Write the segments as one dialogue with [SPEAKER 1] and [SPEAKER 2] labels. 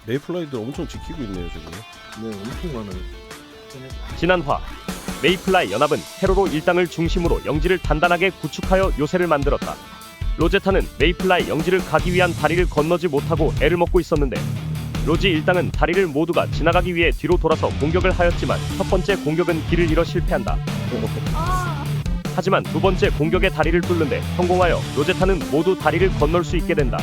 [SPEAKER 1] 메이플라이드 엄청 지키고 있네요 지금.
[SPEAKER 2] 네, 엄청 많아요.
[SPEAKER 3] 지난화 메이플라이 연합은 헤로로 일당을 중심으로 영지를 단단하게 구축하여 요새를 만들었다. 로제타는 메이플라이 영지를 가기 위한 다리를 건너지 못하고 애를 먹고 있었는데 로지 일당은 다리를 모두가 지나가기 위해 뒤로 돌아서 공격을 하였지만 첫 번째 공격은 길을 잃어 실패한다. 하지만 두 번째 공격에 다리를 뚫는데 성공하여 로제타는 모두 다리를 건널 수 있게 된다.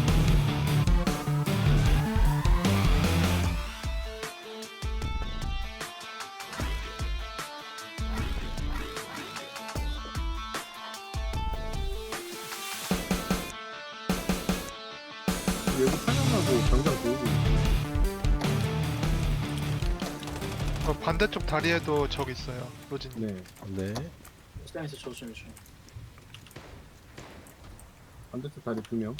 [SPEAKER 2] 여기 사냥하고 병장 도우고
[SPEAKER 4] 반대쪽 다리에도 적 있어요. 로진님.
[SPEAKER 2] 네,
[SPEAKER 1] 네.
[SPEAKER 5] 시장에서 저좀 줘.
[SPEAKER 2] 반대쪽 다리 2명.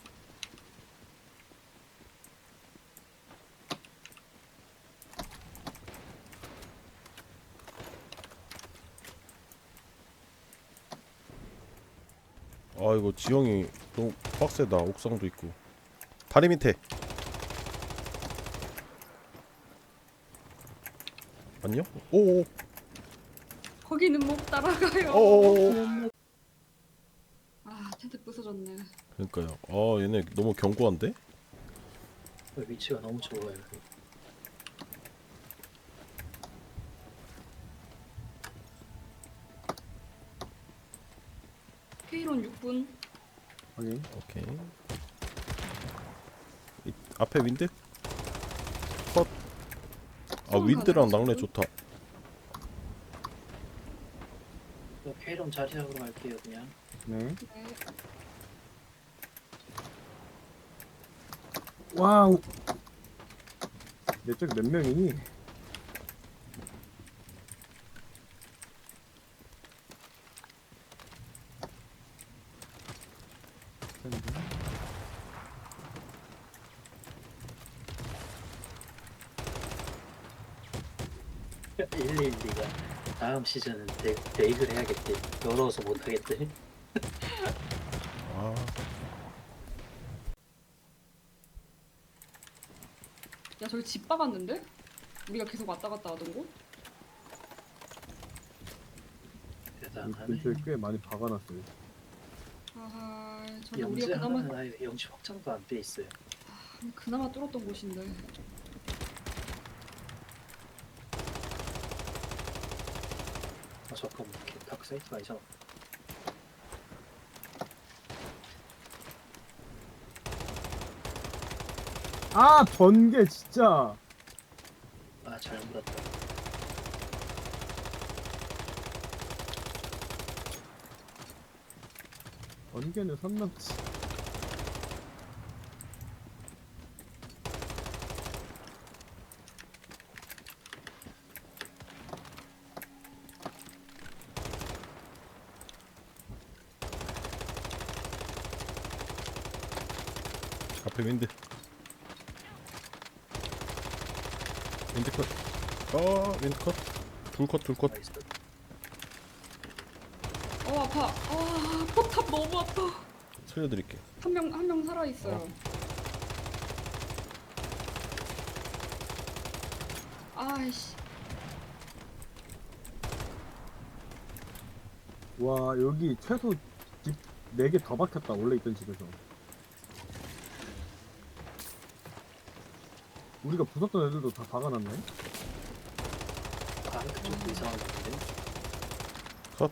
[SPEAKER 1] 아 이거 지형이 너무 빡세다. 옥상도 있고. 다리 밑에. 아니요? 오오.
[SPEAKER 6] 거기는 못 따라가요.
[SPEAKER 1] 오오오.
[SPEAKER 6] 아 텐트 부서졌네.
[SPEAKER 1] 그러니까요. 아 얘네 너무 견고한데?
[SPEAKER 5] 위치가 너무 좋아요.
[SPEAKER 6] 페이론 6분.
[SPEAKER 2] 확인.
[SPEAKER 1] 오케이. 이, 앞에 윈드? 컷. 아 윈드랑 낙뢰 좋다.
[SPEAKER 5] 페이론 자리 잡으러 갈게요 그냥.
[SPEAKER 2] 네.
[SPEAKER 6] 네.
[SPEAKER 2] 와우. 내쪽 몇 명이니?
[SPEAKER 5] 가 다음 시즌은 데이를 해야겠대. 더러워서 못하겠대.
[SPEAKER 1] 아
[SPEAKER 6] 야 저기 집 박았는데? 우리가 계속 왔다 갔다 하던 곳?
[SPEAKER 5] 대단하네.
[SPEAKER 2] 근처에 꽤 많이 박아놨어요.
[SPEAKER 6] 아하 저기
[SPEAKER 5] 영지
[SPEAKER 6] 우리가 그나마
[SPEAKER 5] 하나는 아예 영지 확장도 안 돼 있어요.
[SPEAKER 6] 그나마 뚫었던 곳인데.
[SPEAKER 5] 아 잠깐만, 다크 사이트가 아니잖아.
[SPEAKER 2] 아, 번개 진짜.
[SPEAKER 5] 아 잘못 왔다.
[SPEAKER 2] 번개는 선 넘지.
[SPEAKER 1] 앞에 윈드. 윈드 컷. 아 윈드 컷. 둘 컷.
[SPEAKER 5] 나이스.
[SPEAKER 6] 아파. 아 포탑 너무 아파.
[SPEAKER 1] 살려드릴게.
[SPEAKER 6] 한 명 살아 있어요. 아이씨.
[SPEAKER 2] 와, 여기 최소 집 4개 더 박혔다. 원래 있던 집에서. 우리가 부쉈던 애들도 다 박아놨네.
[SPEAKER 5] 아 그쪽도 이상한 건데.
[SPEAKER 1] 컷.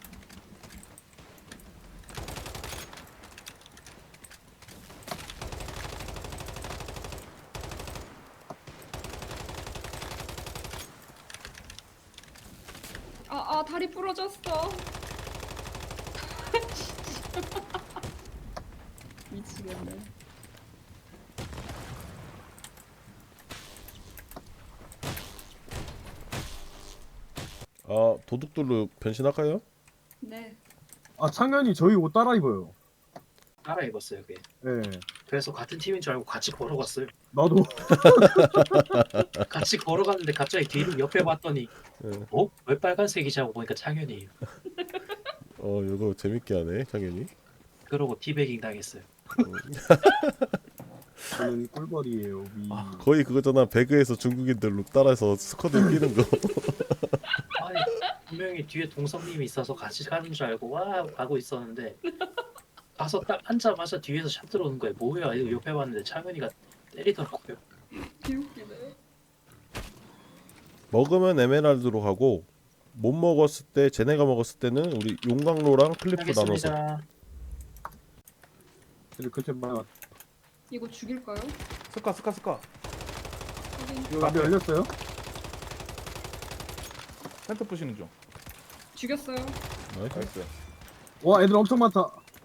[SPEAKER 6] 다리 부러졌어. 미치겠네.
[SPEAKER 1] 아 도둑들로 변신할까요?
[SPEAKER 6] 네.
[SPEAKER 2] 아, 창현이 저희 옷 따라 입어요.
[SPEAKER 5] 따라 입었어요 그게.
[SPEAKER 2] 예.
[SPEAKER 5] 그래서 같은 팀인 줄 알고 같이 걸어갔어요.
[SPEAKER 2] 나도.
[SPEAKER 5] 같이 걸어갔는데 갑자기 뒤를 옆에 봤더니
[SPEAKER 1] 예.
[SPEAKER 5] 어? 왜 빨간색이지 하고 보니까 창현이에요.
[SPEAKER 1] 이거 재밌게 하네 당연히.
[SPEAKER 5] 그러고 티베깅 당했어요.
[SPEAKER 2] 저는 꿀벌이에요. 위.
[SPEAKER 1] 거의 그거잖아. 배그에서 중국인들 룩 따라서 스쿼드 끼는 거.
[SPEAKER 5] 아니 분명히 뒤에 동섭님이 있어서 같이 가는 줄 알고 와 가고 있었는데 가서 딱 앉자마자 뒤에서 샷 들어오는 거예요. 뭐야 이거 옆에 봤는데 창현이가 때리더라고요.
[SPEAKER 6] 개웃기네.
[SPEAKER 1] 먹으면 에메랄드로 가고 못 먹었을 때 쟤네가 먹었을 때는 우리 용광로랑 클리프 나눠서.
[SPEAKER 5] 알겠습니다.
[SPEAKER 2] 근데 근처에 막
[SPEAKER 6] 이거 죽일까요?
[SPEAKER 7] 스카
[SPEAKER 6] 확인.
[SPEAKER 7] 이거
[SPEAKER 2] 답이
[SPEAKER 7] 앞에
[SPEAKER 2] 열렸어요?
[SPEAKER 7] 텐트 부시는 중.
[SPEAKER 6] 죽였어요.
[SPEAKER 1] 나이스.
[SPEAKER 7] 나이스.
[SPEAKER 2] 와 애들 엄청 많다.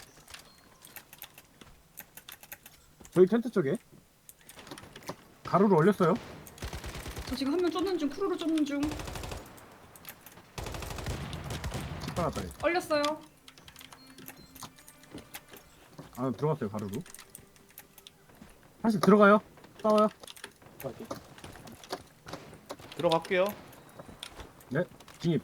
[SPEAKER 2] 저희 텐트 쪽에 가루를 올렸어요.
[SPEAKER 6] 저 지금 한 명 쫓는 중. 쿠루루 쫓는 중.
[SPEAKER 2] 하나다.
[SPEAKER 6] 얼렸어요.
[SPEAKER 2] 아 들어갔어요 가루로. 다시 들어가요. 싸워요.
[SPEAKER 5] 확인.
[SPEAKER 7] 들어갈게요.
[SPEAKER 2] 진입.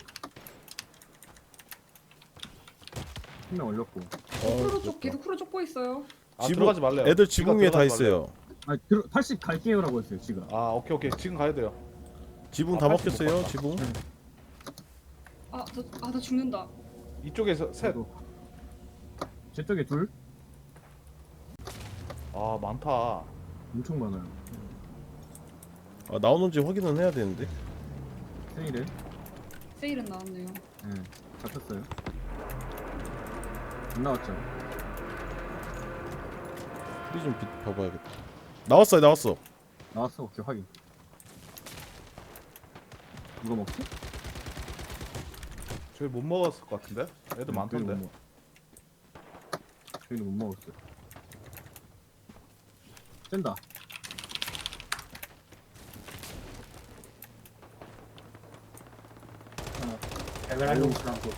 [SPEAKER 2] 한 명 올렸고.
[SPEAKER 6] 쿠루루 쪽 계속 쿠루 쫓고 있어요.
[SPEAKER 7] 아
[SPEAKER 1] 지붕-
[SPEAKER 7] 들어가지 말래요.
[SPEAKER 1] 애들 지붕 위에 다
[SPEAKER 7] 들어가지 말래요.
[SPEAKER 1] 있어요.
[SPEAKER 2] 아 다시 갈게요라고 했어요 지금.
[SPEAKER 7] 아 오케이 지금 가야 돼요.
[SPEAKER 1] 지붕
[SPEAKER 7] 아,
[SPEAKER 1] 다
[SPEAKER 7] 팔십 못
[SPEAKER 1] 먹혔어요.
[SPEAKER 7] 봤다.
[SPEAKER 1] 지붕.
[SPEAKER 6] 나 죽는다.
[SPEAKER 7] 이쪽에서 셋.
[SPEAKER 2] 그리고 제 쪽에 둘.
[SPEAKER 7] 아 많다.
[SPEAKER 2] 엄청 많아요.
[SPEAKER 1] 아, 나오는지 확인은 해야 되는데.
[SPEAKER 2] 세일에.
[SPEAKER 6] 세일은 나왔네요.
[SPEAKER 2] 네. 잡혔어요. 안 나왔죠.
[SPEAKER 1] 프리 좀 봐봐야겠다. 나왔어요. 나왔어.
[SPEAKER 2] 나왔어. 오케이 확인. 누가 먹지?
[SPEAKER 7] 저희 못 먹었을 것 같은데. 애들 많던데.
[SPEAKER 2] 저희는 못 먹었어요. 뗀다.
[SPEAKER 5] 에메랄드 웅크랑도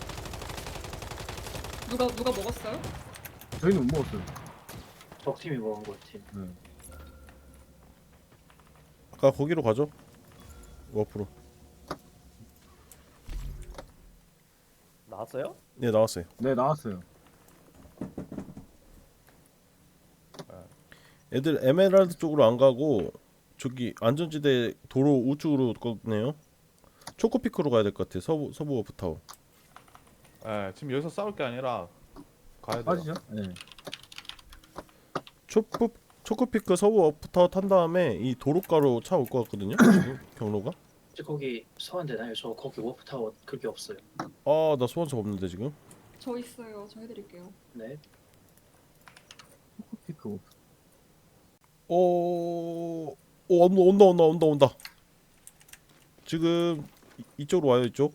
[SPEAKER 6] 누가 먹었어요?
[SPEAKER 2] 저희는 못 먹었어요.
[SPEAKER 5] 적팀이 먹은 거 팀.
[SPEAKER 2] 네.
[SPEAKER 1] 아까 거기로 가죠. 워프로.
[SPEAKER 3] 나왔어요?
[SPEAKER 1] 네 나왔어요.
[SPEAKER 2] 네 나왔어요.
[SPEAKER 1] 애들 에메랄드 쪽으로 안 가고 저기 안전지대 도로 우측으로 걷네요. 초코피크로 가야 될 것 같아. 서부 워프타워.
[SPEAKER 7] 예, 지금 여기서 싸울 게 아니라 가야 돼요.
[SPEAKER 2] 빠지죠? 네.
[SPEAKER 1] 초코피크 서부 워프타워 탄 다음에 이 도로가로 차 올 것 같거든요. 지금 경로가.
[SPEAKER 5] 혹시 거기 소환 되나요? 저 거기 워프 타워 그게 없어요.
[SPEAKER 1] 아 나 소환차 없는데 지금.
[SPEAKER 6] 저 있어요. 저 해드릴게요.
[SPEAKER 5] 네.
[SPEAKER 2] 피크 오프.
[SPEAKER 1] 온다. 지금 이쪽으로 와요. 이쪽.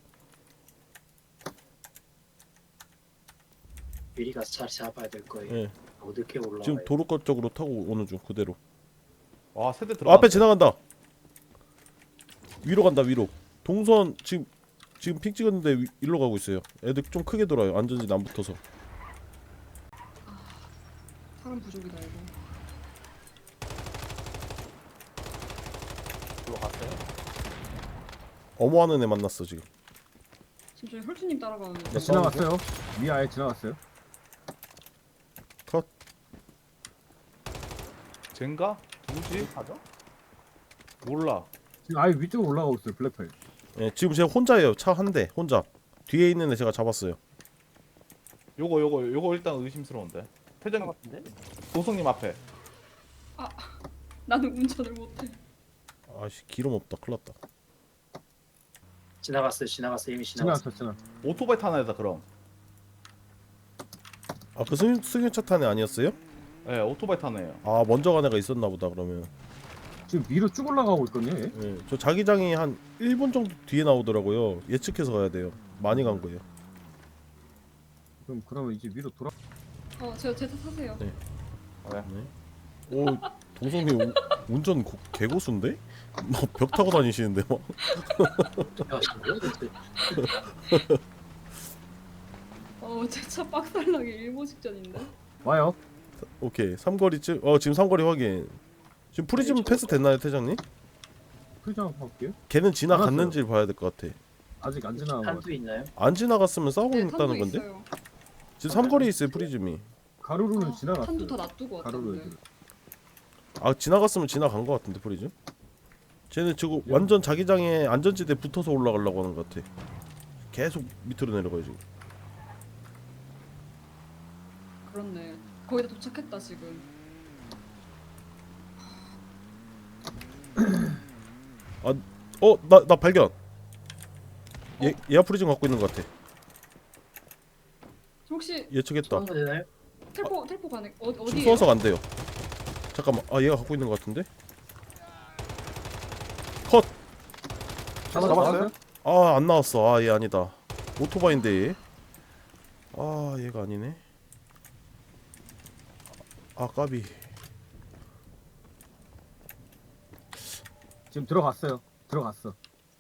[SPEAKER 5] 미리 가서 자리 잡아야 될 거예요.
[SPEAKER 1] 예.
[SPEAKER 5] 어떻게 올라와요?
[SPEAKER 1] 지금 도로가 쪽으로 타고 오는 중 그대로.
[SPEAKER 7] 와 세대 들어.
[SPEAKER 1] 앞에 지나간다. 위로 간다 위로. 동선 지금 픽 찍었는데 일로 가고 있어요. 애들 좀 크게 돌아요. 안전지대 안 붙어서.
[SPEAKER 6] 사람 부족이다 이거.
[SPEAKER 1] 어머하는 애 만났어 지금.
[SPEAKER 6] 지금 저희 혈수님 따라가는데.
[SPEAKER 2] 네, 지나갔어요. 위 아예 지나갔어요.
[SPEAKER 1] 컷.
[SPEAKER 7] 젠가? 누구지? 몰라.
[SPEAKER 2] 지금 아예 위쪽으로 올라가고 있어요. 블랙파일.
[SPEAKER 1] 예, 지금 제가 혼자예요. 차 한 대 혼자. 뒤에 있는 애 제가 잡았어요.
[SPEAKER 7] 요거 일단 의심스러운데. 태정 도성님 앞에.
[SPEAKER 6] 나는 운전을 못해.
[SPEAKER 1] 아씨 기름 없다. 큰일났다.
[SPEAKER 5] 지나갔어요. 이미 지나갔어요.
[SPEAKER 2] 지나갔어.
[SPEAKER 7] 오토바이 타는 애다 그럼.
[SPEAKER 1] 아 그 승용차 탄 애 아니었어요?
[SPEAKER 7] 예, 오토바이 타는 애요.
[SPEAKER 1] 아 먼저 간 애가 있었나 보다 그러면.
[SPEAKER 2] 지금 위로 쭉 올라가고 있거든요. 얘.
[SPEAKER 1] 예, 저 자기장이 한 1분 정도 뒤에 나오더라고요. 예측해서 가야 돼요. 많이 간 거예요.
[SPEAKER 2] 그러면 이제 위로 돌아.
[SPEAKER 6] 제차 타세요.
[SPEAKER 1] 네.
[SPEAKER 7] 그래.
[SPEAKER 1] 오 동성님 운전 개고수인데? 뭐 벽 타고 다니시는데 막.
[SPEAKER 5] 하신 거예요? 대체?
[SPEAKER 6] 제차 빡살나게 일보 직전인데.
[SPEAKER 2] 와요.
[SPEAKER 1] 오케이 삼거리쯤. 지금 삼거리 확인. 지금 프리즘
[SPEAKER 5] 네,
[SPEAKER 1] 패스 됐나요 태장님?
[SPEAKER 2] 풀장 할게요.
[SPEAKER 1] 걔는 지나갔는지 봐야 될 것 같아.
[SPEAKER 2] 아직 안 지나간 거 같아.
[SPEAKER 5] 탄두 있나요?
[SPEAKER 1] 안 지나갔으면 싸우고
[SPEAKER 6] 네,
[SPEAKER 1] 있다는
[SPEAKER 6] 탄도
[SPEAKER 1] 건데.
[SPEAKER 6] 있어요.
[SPEAKER 1] 지금 삼거리에 있어요 프리즘이.
[SPEAKER 2] 가루로는 지나갔어요.
[SPEAKER 6] 탄도 다 놔두고
[SPEAKER 2] 가루로
[SPEAKER 6] 왔던데.
[SPEAKER 2] 애들.
[SPEAKER 1] 아 지나갔으면 지나간 것 같은데 프리즘? 쟤는 지금 완전 자기장에 안전지대 붙어서 올라가려고 하는 것 같아. 계속 밑으로 내려가요 지금.
[SPEAKER 6] 그렇네. 거의 다 도착했다 지금.
[SPEAKER 1] 나 발견. 얘 프리즘 갖고 있는 것 같아.
[SPEAKER 6] 혹시
[SPEAKER 1] 예측했다.
[SPEAKER 5] 소환사 되나요?
[SPEAKER 6] 텔포 가능?
[SPEAKER 1] 지금
[SPEAKER 6] 어디에요?
[SPEAKER 1] 소환사가 안 돼요. 잠깐만. 아 얘가 갖고 있는 것 같은데? 컷.
[SPEAKER 7] 잡았어요?
[SPEAKER 1] 아 안 나왔어. 아 얘 아니다. 오토바이인데 얘. 아 얘가 아니네. 아 까비.
[SPEAKER 2] 지금 들어갔어요. 들어갔어.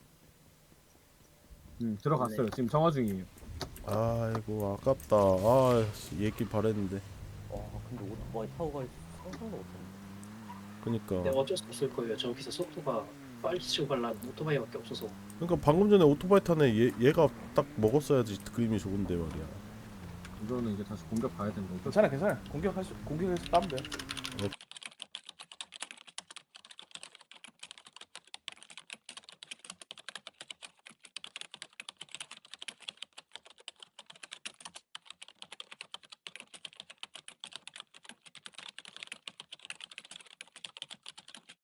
[SPEAKER 2] 들어갔어요. 지금 정화 중이에요.
[SPEAKER 1] 아이고 아깝다. 아 얘길 바랬는데.
[SPEAKER 8] 와 근데 오토바이 타고 갈 상상도 못했네.
[SPEAKER 1] 그니까.
[SPEAKER 5] 근데 어쩔 수 없을 거예요. 저기서 속도가 빨리 치고 가려면 오토바이밖에 없어서.
[SPEAKER 1] 그러니까 방금 전에 오토바이 타네 얘가 딱 먹었어야지 그림이 좋은데 말이야.
[SPEAKER 2] 이거는 이제 다시 공격 가야 된다.
[SPEAKER 7] 괜찮아 괜찮아. 공격해서 따면 돼.